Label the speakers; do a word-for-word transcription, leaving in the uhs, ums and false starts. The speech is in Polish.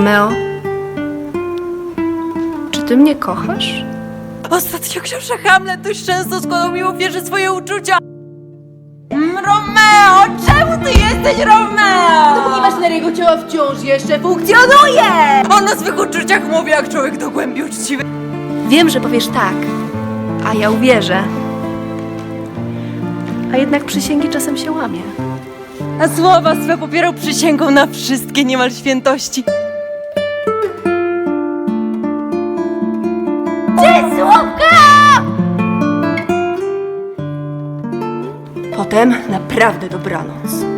Speaker 1: Romeo, czy ty mnie kochasz?
Speaker 2: Ostatnio książę Hamlet dość często składał mi ofierze swoje uczucia. Mm, Romeo, czemu ty jesteś Romeo?
Speaker 3: Dopóki maszyneria jego ciała wciąż jeszcze funkcjonuje!
Speaker 2: On o swych uczuciach mówi jak człowiek do głębi uczciwy.
Speaker 1: Wiem, że powiesz tak, a ja uwierzę. A jednak przysięgi czasem się łamie.
Speaker 2: A słowa swe popierał przysięgą na wszystkie niemal świętości.
Speaker 1: Potem naprawdę dobranoc.